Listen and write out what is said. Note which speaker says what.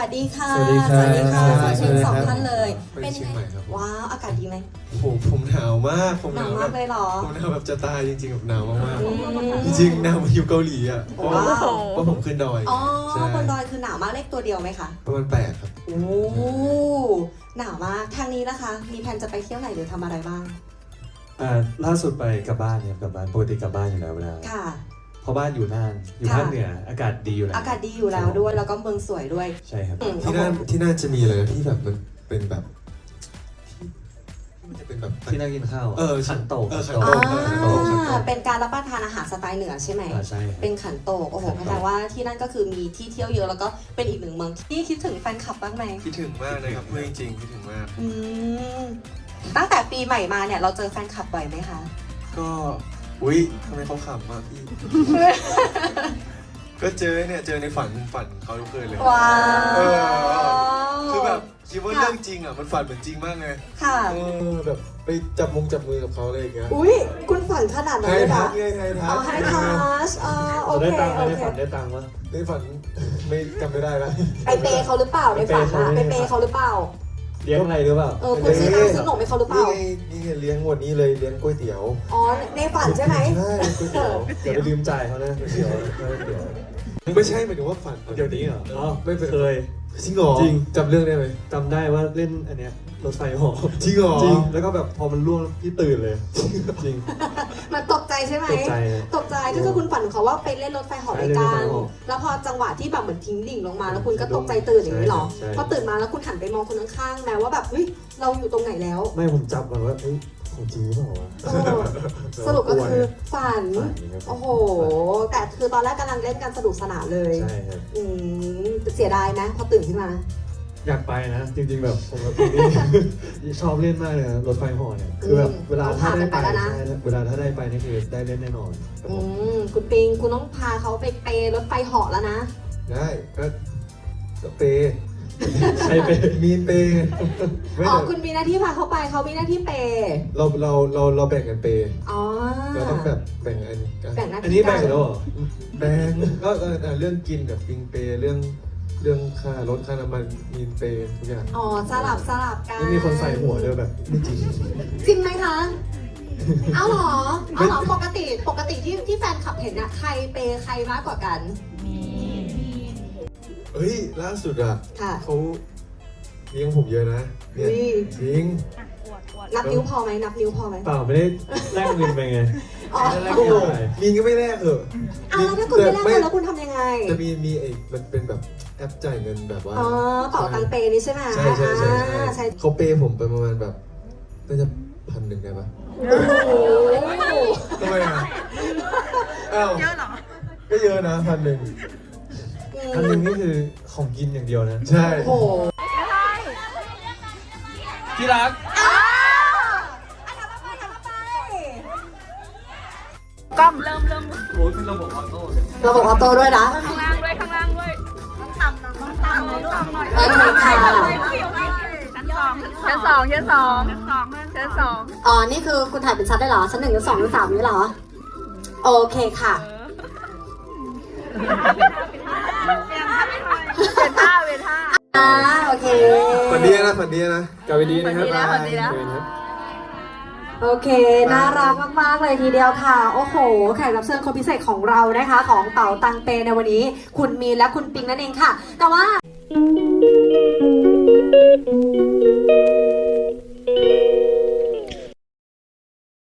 Speaker 1: ดีค่ะ
Speaker 2: สวัสดีครับ
Speaker 1: สวัสดีค่ะ
Speaker 2: สวัสดีครับ
Speaker 1: เชิญสองท่านเลย
Speaker 3: ไปเชียงใหม่ครับ
Speaker 1: ว้าวอากาศดีไหม
Speaker 3: ผมหนาวมาก
Speaker 1: หนาวมากเลยเหรอ
Speaker 3: ผมหนาวแบบจะตายจริงๆแบบหนาวมาก
Speaker 1: อืม
Speaker 3: ๆจริงๆหนาวมาอยู่เกาหลีอ่ะเพราะ
Speaker 1: ว้าว
Speaker 3: ว่าผมขึ้นดอย
Speaker 1: อ๋อ
Speaker 3: ใช่
Speaker 1: บนดอยคือหนาวมากเลขตัวเดียวไหมคะ
Speaker 3: ประมาณ8ครับ
Speaker 1: โอ้หนาวมากทางนี้นะคะ มีแผนจะไปเที่ยวไหนหรือทำอะไรบ้าง
Speaker 2: ล่าสุดไปกลับบ้านเนี่ยกลับบ้านปกติกลับบ้านอยู่แล้วเวลา
Speaker 1: ค่ะ
Speaker 2: เพราะบ้านอยู่น่านอยู่
Speaker 1: ค่ะ
Speaker 2: ภาคเหนืออากาศดีอยู่แล้ว
Speaker 1: อากาศดีอยู่แล้วด้วยแล้วก็เมืองสวยด้วย
Speaker 2: ใช่ครับ
Speaker 1: อืม
Speaker 3: ที่นั่นจะมีอะไรนะที่แบบมันเป็นแบบมันจะเป็นแบบ
Speaker 2: ที่นั่งกินข้าว ขันโตก
Speaker 3: ขัน
Speaker 1: อ่
Speaker 3: โตก
Speaker 1: าเป็นการรับประทานอาหารสไตล์เหนือใช่ไหม
Speaker 2: ใช่ครับ
Speaker 1: เป็นขันโตกโอ้โห
Speaker 2: ขันโตก
Speaker 1: แปลว่าที่นั่นก็คือมีที่เที่ยวเยอะแล้วก็เป็นอีกหนึ่งเมืองที่คิดถึงแฟนคลับบ้างไหม
Speaker 3: คิดถึงมากเลยครับเพื่อนจริงๆคิดถึงมาก
Speaker 1: อืมตั้งแต่ปีใหม่มาเนี่ยเราเจอแฟนคลับบ่อยไหมคะ
Speaker 3: ก็อุ้ยทำไมเขาขำมากพี่ ก็เจอในฝันเขาทุกคืนเลย
Speaker 1: ว้าว
Speaker 3: คือแบบคิดว่าเรื่องจริงอ่ะมันฝันเหมือนจริงมากไง
Speaker 1: ค่ะ
Speaker 3: แบบไปจับมือกับเขาอะไรอย่างเงี้ย
Speaker 1: อุ้ยคุณฝันขนาดนั้น
Speaker 3: ไฮ
Speaker 1: เลย
Speaker 3: ทั
Speaker 1: นะ
Speaker 3: ชไงไฮทั
Speaker 1: อ๋อ
Speaker 3: ช
Speaker 1: ไฮทัชโอเค
Speaker 2: ได้ตังค์ไหม
Speaker 1: โอ
Speaker 2: ได้
Speaker 1: เค
Speaker 2: ฝันได้ตังค์วะ
Speaker 3: ในฝันไม่จำไม่ได้แล้ว
Speaker 1: ไปเปย์เขาหรือเปล่าในฝันอะไปเปย์เขาหรือเปล่า
Speaker 2: เลี้ยงอะไรหรือเปล่า
Speaker 1: คุณซื้อน้ำซื้อขนมให้เขาหรือเปล่า
Speaker 3: นี่ไงเลี้ยงวันนี้เลยเลี้ยงก๋วยเตี๋ยว
Speaker 1: อ๋อในฝันใช่ไหม
Speaker 3: ใช่ก๋วยเตี๋ยว
Speaker 2: เดี๋ยวไปลืมจ่ายเขานะเดี๋ยวเดี๋ยว
Speaker 3: ไม่ใช่หมายถึงว่าฝัน
Speaker 2: เดี๋ยวนี้เหรออ๋อ
Speaker 3: ไม่เป็น
Speaker 2: เคย
Speaker 3: จริงเหรอ
Speaker 2: จริง
Speaker 3: จำเรื่องได้ไหม
Speaker 2: จำได้ว่าเล่นอันเนี้ยรถไฟเหอ
Speaker 3: จริงเหรอ
Speaker 2: จริงแล้วก็แบบพอมันล่วงพี่ตื่นเลย จริง
Speaker 1: มันตกใจใช่ไหม
Speaker 2: ตกใจเลย
Speaker 1: ตกใจก็คือคุณฝันของเขาว่าไปเล่นรถไฟเหาะด้วยกั
Speaker 2: ใช่เล่นรถไฟ
Speaker 1: น
Speaker 2: เหาะ
Speaker 1: แล้วพอจังหวะที่แบบเหมือนทิ้งดิ่งลงมาแล้วคุณก็ตกใจตื่นอย่างนี้หรอ
Speaker 2: ใช่
Speaker 1: พอตื่นมาแล้วคุณหันไปมองคนข้างๆแม้ว่าแบบเฮ้ยเราอยู่ตรงไหนแล้ว
Speaker 2: ไม่ผมจับก่อนว่าเฮ้ยของจริงหรือเปล่าวะ
Speaker 1: เออสรุปก็คือฝัน
Speaker 2: ฝันอย่างเงี้ย
Speaker 1: โอ้โห แต่คือตอนแรกกำลังเล่นกันสนุกสนานเลย
Speaker 2: ใช่ครับ
Speaker 1: เสียดายนะพอตื่นขึ้นมา
Speaker 2: อยากไปนะ จริงๆแบบผมกับพี่นี่ ชอบเล่นมากเลยนะรถไฟเหอเนี่ยคือแบบเวลาถ้าได้ไป
Speaker 1: ต้องพากันไปแล้วนะ
Speaker 2: ใช่เวลาถ้าได้ไปนี่คือได้เล่นแน่นอนครับผม
Speaker 1: คุณปิงคุณต้องพาเขาไปเปย์รถไฟเหาะแล้วนะ
Speaker 3: ได้ก็เปย์
Speaker 2: ใช่ไป
Speaker 3: มีนเปย์ไม่
Speaker 1: อ๋อ
Speaker 3: แต่
Speaker 1: คุณมีหน้าที่พาเขาไปเขามีหน้าที่เปย์
Speaker 3: เราแบ่งกันเปย์
Speaker 1: อ๋อ
Speaker 3: เราต้องแบบแบ่งกัน
Speaker 1: แบ่งหน้า
Speaker 2: อัน
Speaker 1: ที่
Speaker 2: นี้
Speaker 1: กั
Speaker 2: แบ่งแล้วเหรอ
Speaker 3: แบ่งก็เรื่องกินกับปิงเปย์เรื่องค่ารถค่าน้ำมันมีนเปย์ทุกอย่าง
Speaker 1: อ๋อสลับกัน
Speaker 2: ไม่มีคนใส่หัวด้วยแบบไม่จริง
Speaker 1: จริงไหมคะเอาเหรอปกติที่แฟนคลับเห็นอะใครเปย์ใครมากกว่ากัน
Speaker 3: เฮ้ยล่าสุดอ่ะ
Speaker 1: ค่ะ
Speaker 3: เขาเลี้ยงผมเยอะนะเนี่ย
Speaker 1: อุ๊ย
Speaker 3: จริง
Speaker 1: นับนิ้วพอไหมนับนิ้วพอไหม
Speaker 2: เปล่าไม่ได้แลกเงินไปไง
Speaker 1: อ๋อ
Speaker 2: ไม่ได้แลก
Speaker 3: โอ้
Speaker 2: เงิ
Speaker 3: โห
Speaker 2: นไป
Speaker 3: มีนก็ไม่แลกเหรอ
Speaker 1: เอาแล้วถ้าคุณไม่แลกเงินแล้วคุณทำยังไง
Speaker 3: จะมีไอ้มันเป็นแบบแอปจ่ายเงินแบบว่า
Speaker 1: อ๋อเป๋าตังเปย์นี่ใช่ไหม
Speaker 3: ใช่
Speaker 1: อ่าใช่
Speaker 3: เขาเปย์ผมไปประมาณแบบน่าจะ1,000ได้ปะ
Speaker 1: โอ้โห
Speaker 3: ทำไมอ่ะอ้าวเยอะเหรอก็เยอะนะ1,000
Speaker 2: อันหนึงนี่คือของกินอย่างเดียวนะ
Speaker 3: ใช่
Speaker 1: โอ้โห
Speaker 2: ที่รัก
Speaker 4: กล้องเริ่ม
Speaker 2: โอ้ยเป็นระบบออโต้เลย
Speaker 1: ระบบออโต้ด้วยนะ
Speaker 4: ข้างล่างด้วยต้องต่ำหน่อย
Speaker 1: โอเคค่ะ
Speaker 4: ชั้นสอง
Speaker 1: อ๋อ นี่คือคุณถ่ายเป็นชั้นได้เหรอ ชั้น 1 ชั้น 2 ชั้น 3นี่เหรอ โอเคค่ะ
Speaker 4: เป็นท่า
Speaker 1: โอเค
Speaker 3: ฝันดีนะ
Speaker 2: กลับไปดีนะครับ
Speaker 4: ฝันดีนะ
Speaker 1: โอเค น่ารักมาก ๆ เลยทีเดียวค่ะ โอ้โห แขกรับเชิญคนพิเศษของเรานะคะ ของเป๋าตังเปในวันนี้ คุณมีนและคุณปิงนั่นเองค่ะ แต่ว่า